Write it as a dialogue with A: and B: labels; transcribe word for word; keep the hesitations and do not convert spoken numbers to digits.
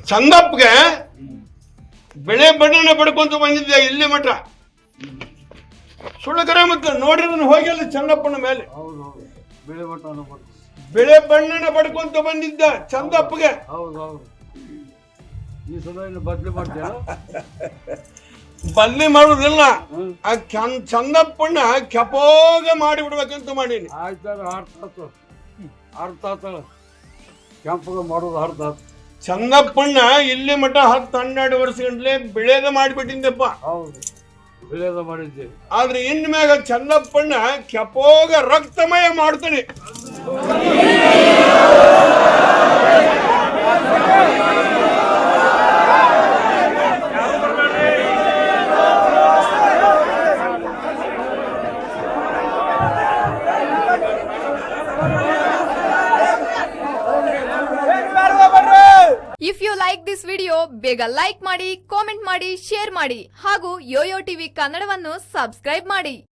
A: ಚಂದಪ್ಪಗೆ ಬೆಳೆ ಬಣ್ಣನ ಪಡ್ಕೊಂತ ಬಂದಿದ್ದೆ ಇಲ್ಲಿ ಮಠ. ಸುಳ್ಳಕರ ಮತ್ತೆ ನೋಡಿದ್ರೆ ಹೋಗಿಲ್ಲ ಚಂದಪ್ಪನ ಮೇಲೆ. ಬೆಳೆ ಬಣ್ಣನ ಪಡ್ಕೊಂತ ಬಂದಿದ್ದ ಚಂದಪ್ಪಗೆ. ಬದ್ಲಿ ಮಾಡುದಿಲ್ಲ, ಆ ಚಂದಪ್ಪಣ್ಣ ಕೆಪೋಗ ಮಾಡಿ ಬಿಡ್ಬೇಕಂತ ಮಾಡೀನಿ.
B: ಕೆಂಪಗ ಮಾಡೋದು ಅರ್ಥ.
A: ಚಂದಪ್ಪಣ್ಣ ಇಲ್ಲಿ ಮಠ ಹತ್ತು ಹನ್ನೆರಡು ವರ್ಷ ಗಂಟ್ಲೆ ಬೆಳೆದ ಮಾಡಿಬಿಟ್ಟಿದ್ದಪ್ಪ.
B: ಹೌದು, ಬೆಳೆದ ಮಾಡಿದ್ದೆ.
A: ಆದ್ರೆ ಇನ್ ಮ್ಯಾಗ ಚಂದಪ್ಪಣ್ಣ ಕೆಪೋಗ ರಕ್ತಮಯ ಮಾಡ್ತಾನೆ.
C: If you like this video ಬೇಗ ಲೈಕ್ ಮಾಡಿ, ಕಾಮೆಂಟ್ ಮಾಡಿ, ಶೇರ್ ಮಾಡಿ ಹಾಗೂ ಯೋಯೋ ಟಿವಿ ಕನ್ನಡವನ್ನು ಸಬ್ಸ್ಕ್ರೈಬ್ ಮಾಡಿ.